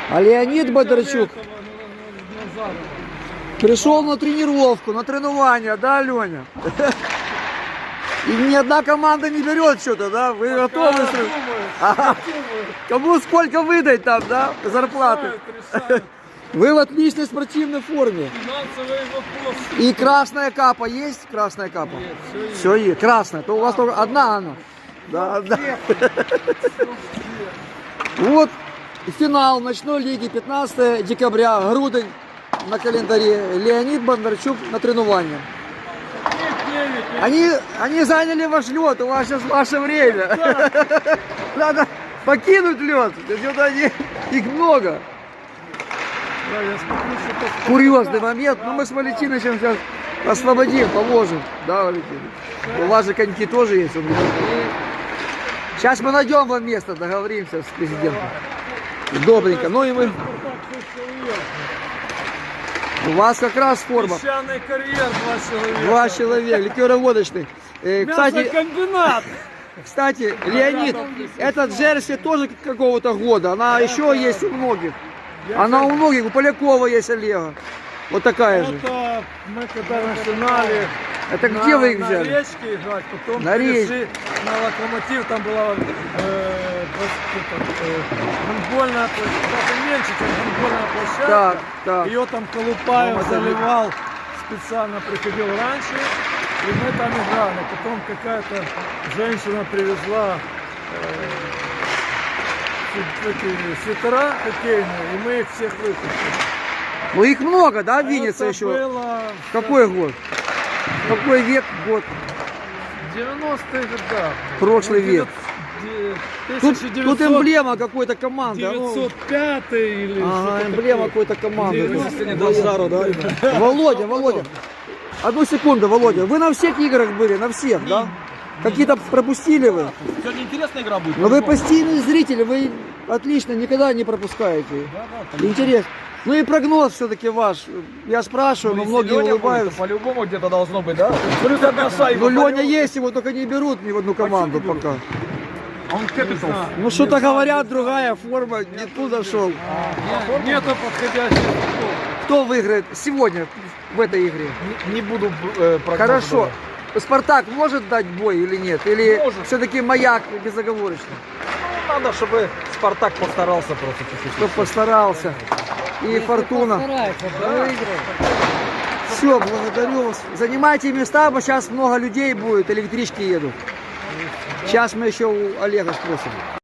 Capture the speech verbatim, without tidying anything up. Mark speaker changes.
Speaker 1: А Леонид Бондарчук пришел на тренировку, на тренирование, да, Леня? И ни одна команда не берет что-то, да? Вы готовы? Ага. Кому сколько выдать там, да, зарплаты? Вы в отличной спортивной форме. И красная капа есть? Красная капа? Есть, все есть. Красная. То у вас только одна она. Да, да. Вот финал ночной лиги, пятнадцатое декабря, Грудень на календаре. Леонид Бондарчук на треновании. Они, они заняли ваш лед, у вас сейчас ваше время. Да. Надо покинуть лед. Они, их много.
Speaker 2: Да, я смотрю, что
Speaker 1: Курьезный момент. Но мы с Валентиновичем сейчас освободим, положим. Да, Валентинович? У вас же коньки тоже есть. Сейчас мы найдем вам место, договоримся с президентом. Добренько. Ну и мы... У вас как раз форма.
Speaker 2: Песчаный карьер, два человека.
Speaker 1: Два человека, ликероводочный. Э, кстати,
Speaker 2: комбинат.
Speaker 1: Кстати, Леонид, этот джерси тоже какого-то года. Она еще есть у многих. Она у многих, у Полякова есть Олега. Вот такая же.
Speaker 2: Это мы когда начинали.
Speaker 1: Это
Speaker 2: на,
Speaker 1: где вы их
Speaker 2: на
Speaker 1: взяли?
Speaker 2: На речке играть, потом
Speaker 1: на
Speaker 2: перешли на Локомотив, там была э, э, гандбольная площадка, даже меньше, чем гандбольная площадка.
Speaker 1: Так, так.
Speaker 2: Ее там Колупаев заливал, специально приходил раньше, и мы там играли. Потом какая-то женщина привезла э, эти свитера хоккейные, и мы их всех выкупили.
Speaker 1: Ну их много, да, в Виннице еще?
Speaker 2: Было...
Speaker 1: Какой год? Какой век, год?
Speaker 2: девяностые годы.
Speaker 1: Прошлый век. Тут,
Speaker 2: тысяча девятьсот...
Speaker 1: тут эмблема какой-то команды.
Speaker 2: девятьсот пятый или
Speaker 1: ага, эмблема какой-то команды.
Speaker 2: Жару, да?
Speaker 1: Володя, Володя. Одну секунду, Володя. Вы на всех играх были, на всех, да? Какие-то пропустили вы?
Speaker 3: Сегодня интересная игра будет.
Speaker 1: Но вы постоянный зритель, вы отлично никогда не пропускаете. Интересно. Ну и прогноз все-таки ваш. Я спрашиваю, но многие улыбаются.
Speaker 3: По-любому где-то должно быть, да? Плюс одна шайба.
Speaker 1: Ну Леня есть, его только не берут ни в одну команду пока.
Speaker 3: Он капитал.
Speaker 1: Ну что-то говорят, другая форма, не туда шел.
Speaker 2: А, нету подходящих.
Speaker 1: Кто выиграет сегодня в этой игре?
Speaker 3: Не, не буду э, прогнозировать.
Speaker 1: Хорошо. Спартак может дать бой или нет? Или все-таки Маяк безоговорочно?
Speaker 3: Ну, надо, чтобы Спартак постарался просто чуть-чуть.
Speaker 1: Чтоб постарался. И Фортуна. Все, благодарю вас. Занимайте места, потому сейчас много людей будет, электрички едут. Сейчас мы еще у Олега спросим.